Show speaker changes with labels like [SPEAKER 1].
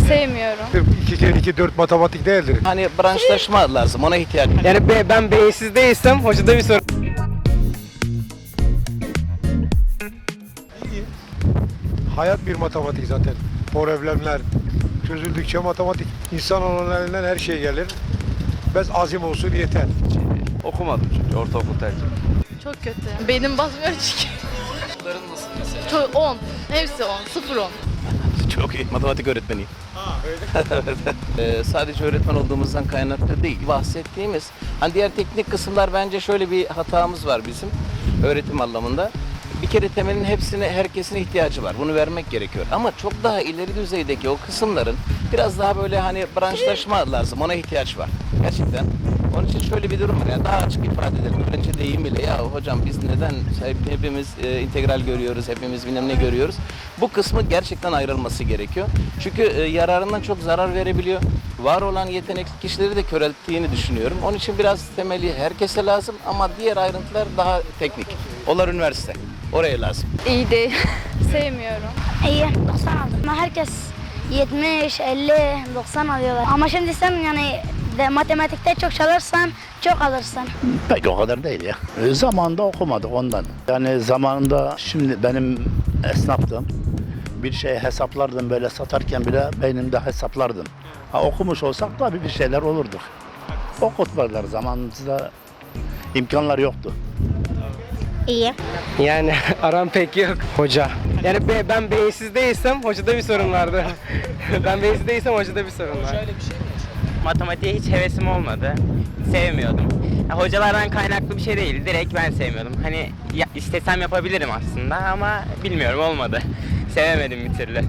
[SPEAKER 1] Sevmiyorum.
[SPEAKER 2] 2 kere 2 4 matematik değildir.
[SPEAKER 3] Hani branşlaşma lazım, ona ihtiyaç.
[SPEAKER 4] Yani ben beyinsiz değilsem hocada bir sorun.
[SPEAKER 2] Hayat bir matematik zaten. Problemler çözüldükçe matematik. İnsan onun elinden her şey gelir. Bez azim olsun yeter.
[SPEAKER 5] Okumadım çünkü ortaokul tercih.
[SPEAKER 1] Çok kötü. Beynim basmıyor çünkü.
[SPEAKER 5] Çocukların nasıl mesela?
[SPEAKER 1] Çok 10. Hepsi 10. 0 10.
[SPEAKER 3] Çok iyi, matematik öğretmeniyim. Sadece öğretmen olduğumuzdan kaynaklı değil. Bahsettiğimiz, hani diğer teknik kısımlar bence şöyle bir hatamız var bizim öğretim anlamında. Bir kere temelin hepsine, herkesin ihtiyacı var. Bunu vermek gerekiyor. Ama çok daha ileri düzeydeki o kısımların biraz daha böyle hani branşlaşma lazım. Ona ihtiyaç var. Gerçekten. Onun için şöyle bir durum var. Yani daha açık ifade edelim. Öğrenci deyimiyle ya hocam biz neden hepimiz integral görüyoruz, hepimiz bilmem ne görüyoruz. Bu kısmı gerçekten ayrılması gerekiyor. Çünkü yararından çok zarar verebiliyor. Var olan yetenekli kişileri de körelttiğini düşünüyorum. Onun için biraz temeli herkese lazım ama diğer ayrıntılar daha teknik. Onlar üniversite. Oraya lazım.
[SPEAKER 1] İyi değil. Sevmiyorum.
[SPEAKER 6] İyi, 90 aldım. Ama herkes 70, 50, 90 alıyorlar. Ama şimdi sen yani matematikte çok çalışsan çok alırsın.
[SPEAKER 7] Pek o kadar değil ya. Zamanında okumadık ondan. Yani zamanında şimdi benim esnaftım. Bir şey hesaplardım böyle satarken bile beynimde hesaplardım. Ha, okumuş olsak tabii bir şeyler olurduk. Okutmadılar zamanımızda imkanlar yoktu.
[SPEAKER 6] İyi.
[SPEAKER 4] Yani aram pek yok. Hoca. Yani ben beyinsiz değilsem hocada bir sorun vardı. Ben beyinsiz değilsem hocada bir sorun var.
[SPEAKER 8] Matematiğe hiç hevesim olmadı. Sevmiyordum. Hocalardan kaynaklı bir şey değil. Direkt ben sevmiyordum. Hani istesem yapabilirim aslında ama bilmiyorum olmadı. Sevemedim bir türlü.